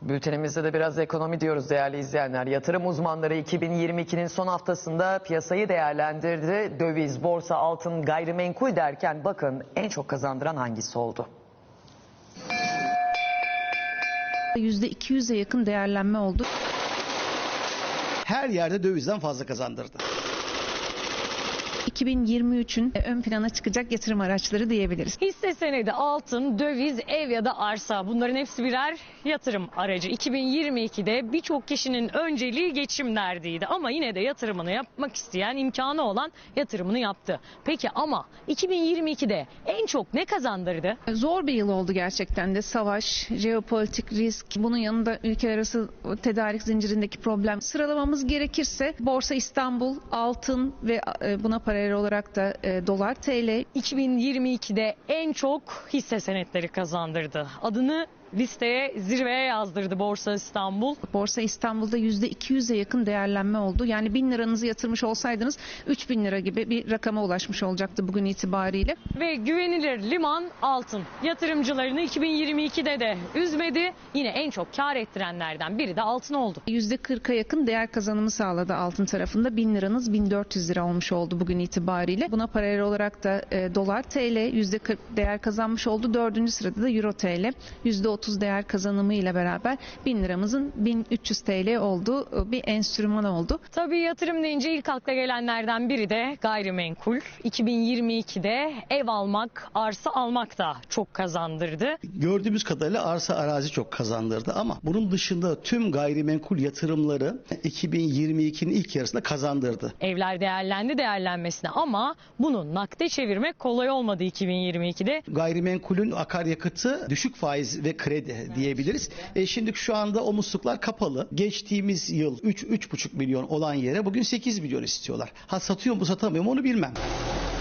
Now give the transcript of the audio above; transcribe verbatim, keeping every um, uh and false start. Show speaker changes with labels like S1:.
S1: Bültenimizde de biraz ekonomi diyoruz değerli izleyenler. Yatırım uzmanları iki bin yirmi ikinin son haftasında piyasayı değerlendirdi. Döviz, borsa, altın, gayrimenkul derken bakın en çok kazandıran hangisi oldu?
S2: yüzde iki yüze yakın değerlenme oldu.
S3: Her yerde dövizden fazla kazandırdı.
S2: iki bin yirmi üçün ön plana çıkacak yatırım araçları diyebiliriz.
S4: Hisse senedi, altın, döviz, ev ya da arsa, bunların hepsi birer yatırım aracı. iki bin yirmi ikide birçok kişinin önceliği geçim derdiydi ama yine de yatırımını yapmak isteyen, imkanı olan yatırımını yaptı. Peki ama iki bin yirmi ikide en çok ne kazandırdı?
S2: Zor bir yıl oldu gerçekten de. Savaş, jeopolitik risk, bunun yanında ülkeler arası tedarik zincirindeki problem. Sıralamamız gerekirse Borsa İstanbul, altın ve buna paralel olarak da e, dolar, T L.
S4: iki bin yirmi ikide en çok hisse senetleri kazandırdı. Adını listeye, zirveye yazdırdı Borsa İstanbul.
S2: Borsa İstanbul'da yüzde iki yüze yakın değerlenme oldu. Yani bin liranızı yatırmış olsaydınız üç bin lira gibi bir rakama ulaşmış olacaktı bugün itibariyle.
S4: Ve güvenilir liman altın. Yatırımcılarını iki bin yirmi ikide de üzmedi. Yine en çok kar ettirenlerden biri de altın oldu.
S2: yüzde kırka yakın değer kazanımı sağladı altın tarafında. bin liranız bin dört yüz lira olmuş oldu bugün itibariyle. Buna paralel olarak da e, dolar, T L yüzde kırk değer kazanmış oldu. Dördüncü sırada da Euro T L yüzde otuz değer kazanımı ile beraber bin liramızın bin üç yüz T L olduğu bir enstrüman oldu.
S4: Tabii yatırım deyince ilk akla gelenlerden biri de gayrimenkul. iki bin yirmi ikide ev almak, arsa almak da çok kazandırdı.
S3: Gördüğümüz kadarıyla arsa arazi çok kazandırdı ama bunun dışında tüm gayrimenkul yatırımları iki bin yirmi ikinin ilk yarısında kazandırdı.
S4: Evler değerlendi değerlenmesine ama bunu nakde çevirmek kolay olmadı iki bin yirmi ikide.
S3: Gayrimenkulün akaryakıtı düşük faiz ve kredi diyebiliriz. E şimdi şu anda o musluklar kapalı. Geçtiğimiz yıl üç üç buçuk milyon olan yere bugün sekiz milyon istiyorlar. Ha satıyor mu satamıyor mu onu bilmem.